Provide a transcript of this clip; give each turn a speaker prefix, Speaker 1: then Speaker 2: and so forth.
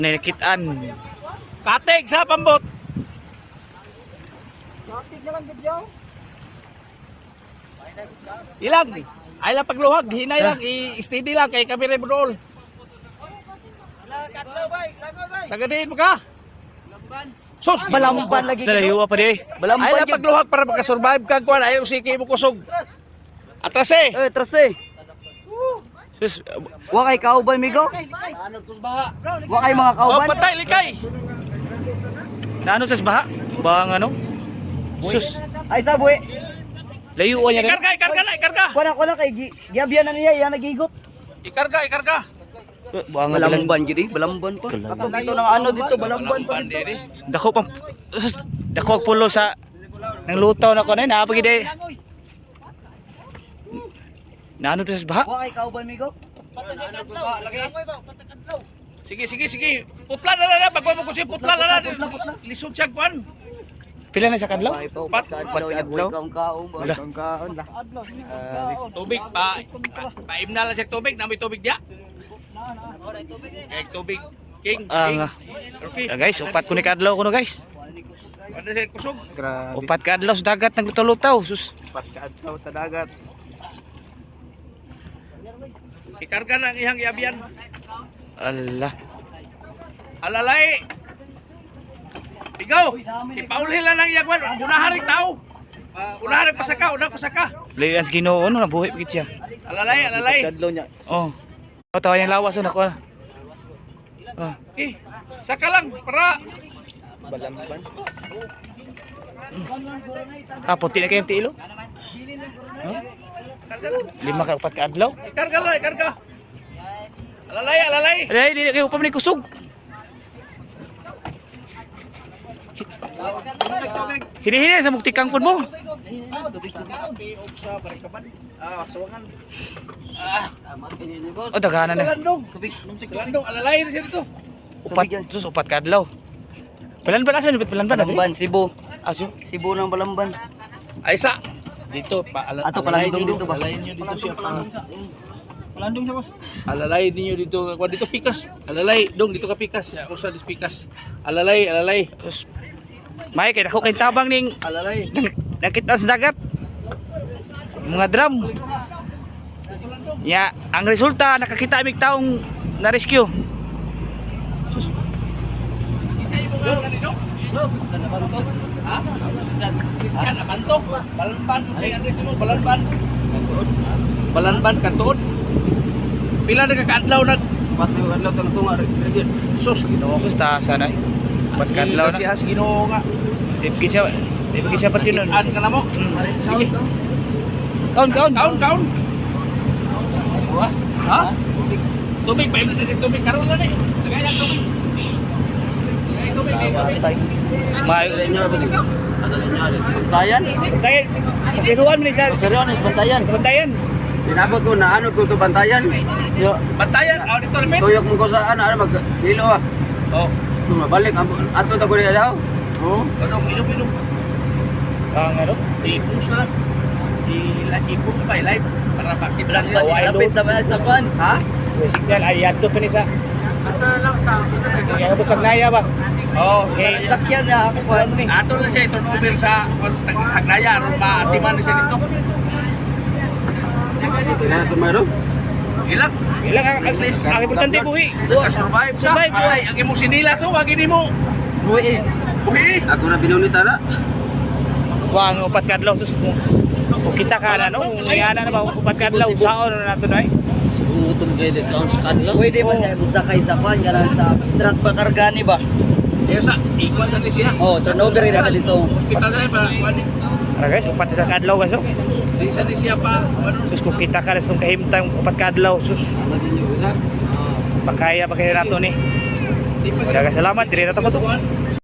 Speaker 1: Nikitaan. Katig sa pambot.
Speaker 2: Katig na lang gidyo.
Speaker 1: Ilang. Ay lang pagluhag, hinay lang, i-steady lang kay kami rin roll.
Speaker 2: Kadlaw bay, langoy bay.
Speaker 1: Sagadiin mo ka. Sus,
Speaker 2: Balamban lagi.
Speaker 1: Dalahiwa pa di.
Speaker 2: Balamban
Speaker 1: Ay lang
Speaker 2: yun.
Speaker 1: pagluhag para makasurvive ka kuan ayaw siki mo kusog. Atras eh.
Speaker 2: Trase.
Speaker 1: Sus,
Speaker 2: Wa kay kauban migo.
Speaker 1: ano tus baha?
Speaker 2: Wa kay mga
Speaker 1: Oh,
Speaker 2: kauban.
Speaker 1: patay likay. Naano sa baha? Bang ano? Sus,
Speaker 2: Ay sabuhi.
Speaker 1: layuan niya. Ikarga na, ikarga.
Speaker 2: Kuana kay giabyan na niya, iya nagigot.
Speaker 1: Ikarga. Bang
Speaker 2: Balamban gidi, balamban pa. Ako dito nang ano dito, balamban pa dito.
Speaker 1: Dako pang dako ang pulo sa nang lutaw na ko na napagi day. Naano sa baha?
Speaker 2: Wa kay kauban migo.
Speaker 1: Sige. Putla na. Pagwa mo ko si putla na. Lisod siya kuan. Pila na sa kadlaw? Pat kadlaw. Wala. Tubig pa. Paimna lang siya tubig, namoy tubig dia. Kay tubig king. Okay. Guys, upat ko ni kadlaw kuno guys. Ano siya kusog? Upat kadlaw sa dagat nang lutaw-lutaw. Sus.
Speaker 2: Upat kadlaw sa dagat.
Speaker 1: Ikarga na ang ihang iabian. Allah. Alalay. Ikaw, ipaulhin lang ang iyagwan. Unaharing tao. Unaharing pasaka. Layas Ginoo no nabuhi pigit siya. Alalay.
Speaker 2: Kadlaw niya.
Speaker 1: Oh. Tawa yang lawas na ko. Oh. Saka lang para
Speaker 2: Balamban.
Speaker 1: puti na kayong tilo. Huh? 5 ka 4 ka adlaw. Ikarga. Alalay. Alalay, di kayo pa man kusog. Hini sa muktikang pun mo. Oh, daghanan na. Landong, alalay na siya dito. Upat ka adlaw. Balanban asan?
Speaker 2: Balamban, Cebu.
Speaker 1: Aso?
Speaker 2: Cebu ng Balamban.
Speaker 1: Ay sa dito pa
Speaker 2: Ato palandong dito ba?
Speaker 1: Alalayin niyo dito siya.
Speaker 2: Palandong sa boss.
Speaker 1: Alalay niyo dito. Kuan dito pikas. Alalay, dong dito ka pikas. Ya, usa dis pikas. Alalay. Terus may kay dako kay tabang ning
Speaker 2: Alalay.
Speaker 1: nakita sa dagat. Mga drum. Ya, ang resulta nakakita mig taong na rescue. Isa imo nga kanino?
Speaker 2: Sa nabanto.
Speaker 1: Ha? Christian Abanto. Balanban. Ay address mo Balanban. Balanban Katuod. Pila na kakadlaw nag
Speaker 2: Pati adlaw tang tunga rin.
Speaker 1: sus Ginoo ko ta sanay. Pat kadlaw na. Si has Ginoo nga. Di siya pati nun. An ka na mo. Sige. Kaon. Ha? Tubig pa imna sa tubig karon lang eh. Tagay lang tubig. May
Speaker 2: Bantayan.
Speaker 1: Dahil kasiruan mo ni sa
Speaker 2: Seryones bantayan.
Speaker 1: bantayan.
Speaker 2: Tinabot ko na ano ko to bantayan. Yo,
Speaker 1: Bantayan, audito namin.
Speaker 2: tuyok mo ko sa ano mag dilo ah.
Speaker 1: Oh,
Speaker 2: Mabalik ato ta ko niya daw. Oh.
Speaker 1: ano, minum. Ang ano? Ipus na. Ipus pa, live. Para makiblang daw ay
Speaker 2: Lapit na ba sa kwan? Ha?
Speaker 1: signal ay yato pa ni sa.
Speaker 2: Ato lang sa
Speaker 1: Kaya ito sa Naya ba? Oh, okay.
Speaker 2: sakyan na ako kwan ni.
Speaker 1: Ato na siya turnover sa Hagnaya, aron maatiman na siya dito.
Speaker 2: Kaya sumaro.
Speaker 1: Ilang ang least ang importante buhi. Survive siya. Ay, ang imong sinila so wag ini mo.
Speaker 2: Buhi.
Speaker 1: Buhi.
Speaker 2: Ako na binunita na.
Speaker 1: Wa ang upat kadlaw sus mo. Kung kita ka na no, ngayana na ba upat kadlaw saon na nato nay.
Speaker 2: Utong grade down sa kanila. Pwede ba siya musakay sa kwan garan sa truck pa karga ni ba?
Speaker 1: Yes, sa equal sa ni siya.
Speaker 2: Oh, turnover rin na dito.
Speaker 1: Kita sa pa kuani. Guys, upat sa kadlaw guys. Di sa ni siya pa ano sus kung kita ka sus kahimtang upat kadlaw sus. Pakaya nato ni. Daghang salamat diri na to.